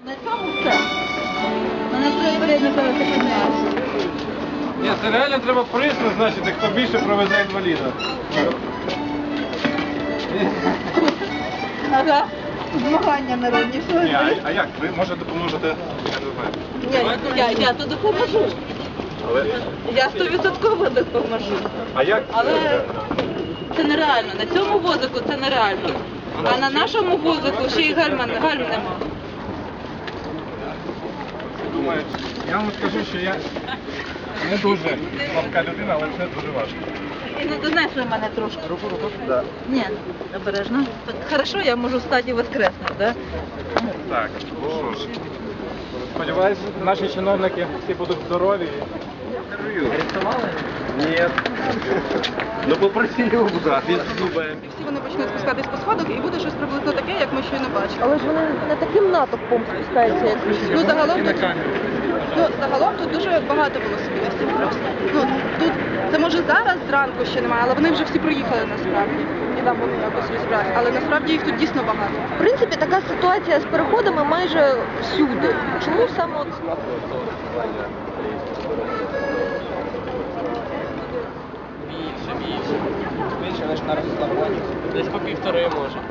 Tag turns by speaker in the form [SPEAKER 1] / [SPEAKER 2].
[SPEAKER 1] На цьому все. На проявлення пересипаєш.
[SPEAKER 2] Ні, це реально треба приз назначити, хто більше провезе інваліда.
[SPEAKER 1] Ага. Змагання народні. Що
[SPEAKER 2] Ні,
[SPEAKER 1] ви?
[SPEAKER 2] а як? Ви може допоможете? Я не знаю.
[SPEAKER 1] Я то допоможу.
[SPEAKER 2] Але...
[SPEAKER 1] Я 100% допоможу.
[SPEAKER 2] А як?
[SPEAKER 1] Але це нереально. На цьому возику це нереально. А на нашому возику ще й гальм нема.
[SPEAKER 2] Думаю, я вам скажу, що я не дуже слабка людина, але це дуже важко.
[SPEAKER 1] І не донесли мене трошки.
[SPEAKER 2] Руку? Да.
[SPEAKER 1] Ні, обережно. Так, хорошо, я можу встати і воскреснути, да?
[SPEAKER 2] Так, ну що ж. Сподіваюсь, наші чиновники всі будуть здорові. Арестували? Ні. Ну попроси його, він зубає.
[SPEAKER 3] Всі вони почнуть спускатись по сходах і буде щось приблизно таке, як ми щойно бачили.
[SPEAKER 4] Але ж вони не таким натовпом спускаються, як
[SPEAKER 3] Ну, загалом тут дуже багато велосипедистів просто. Ну, тут, це може зараз зранку ще немає, але вони вже всі проїхали насправді. І там вони якось розбираються. Але насправді їх тут дійсно багато.
[SPEAKER 4] В принципі, така ситуація з переходами майже всюди. Чому саме от
[SPEAKER 5] Більше, ніж на Ростиславоні. Десь по 1,5 може.